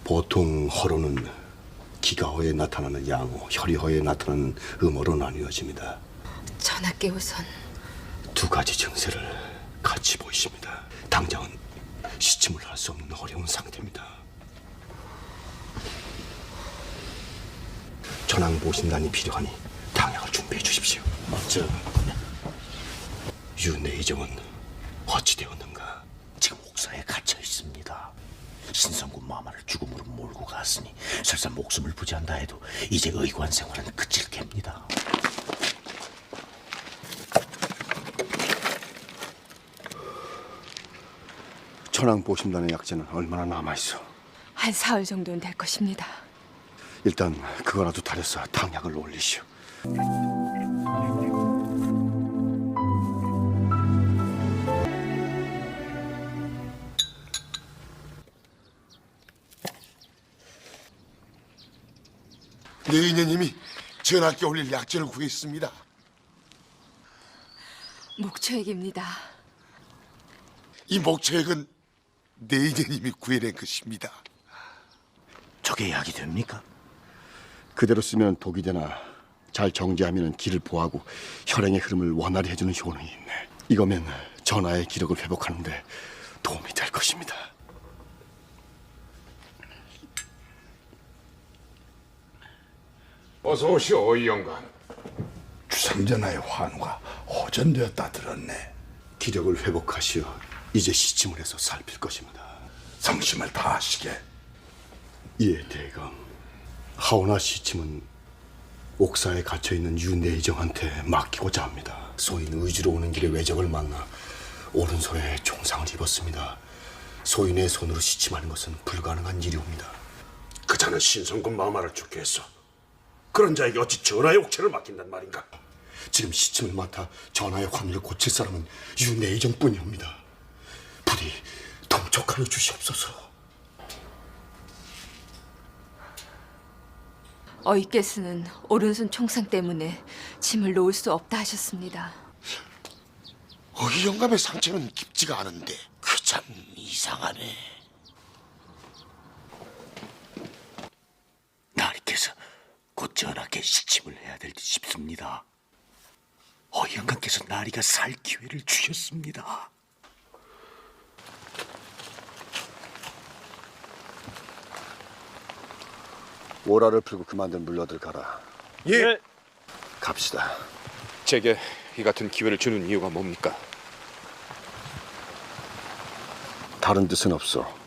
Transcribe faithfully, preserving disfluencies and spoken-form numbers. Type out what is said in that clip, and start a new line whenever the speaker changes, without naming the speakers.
보통 허로는 기가허에 나타나는 양호, 혈이허에 나타나는 음어로 나뉘어집니다.
전하께 우선
두 가지 증세를 같이 보이십니다. 당장은 시침을 할 수 없는 어려운 상태입니다. 전황 모신단이 필요하니 당약을 준비해 주십시오. 저 윤내의정은 어찌 되었는가?
지금 옥사에 갇혀 있습니다. 신성군 마마를 죽음으로 몰고 갔으니 설사 목숨을 부지한다 해도 이제 의관 생활은 그칠 겝니다.
천황 보신단의 약재는 얼마나 남아있어?
한 사흘 정도는 될 것입니다.
일단 그거라도 다려서 당약을 올리시오.
내인녀님이 전하께 올릴 약재를 구했습니다.
목초액입니다.
이 목초액은 내인녀님이 구해낸 것입니다.
저게 약이 됩니까?
그대로 쓰면 독이 되나 잘 정제하면 기를 보하고 혈행의 흐름을 원활히 해주는 효능이 있네. 이거면 전하의 기력을 회복하는데 도움이 될 것입니다.
어서 오시오, 이 영감.
주상전하의 환우가 호전되었다 들었네.
기력을 회복하시어 이제 시침을 해서 살필 것입니다.
성심을 다하시게.
예, 대감. 하오나 시침은 옥사에 갇혀있는 윤내의정한테 맡기고자 합니다. 소인 의주로 오는 길에 외적을 만나 오른손에 총상을 입었습니다. 소인의 손으로 시침하는 것은 불가능한 일이옵니다.
그 자는 신성군 마마를 죽게 했어. 그런 자에게 어찌 전하의 옥체를 맡긴단 말인가?
지금 시침을 맡아 전하의 환우를 고칠 사람은 윤내의정뿐이옵니다. 부디 동촉하여 주시옵소서.
어이께서는 오른손 총상 때문에 짐을 놓을 수 없다 하셨습니다.
어이 영감의 상처는 깊지가 않은데.
그 참 이상하네. 나리께서 곧 전하께 시침을 해야 될 듯 싶습니다. 어영감께서 나리가 살 기회를 주셨습니다.
오라를 풀고 그만들 물러들 가라.
예.
갑시다.
제게 이 같은 기회를 주는 이유가 뭡니까?
다른 뜻은 없어.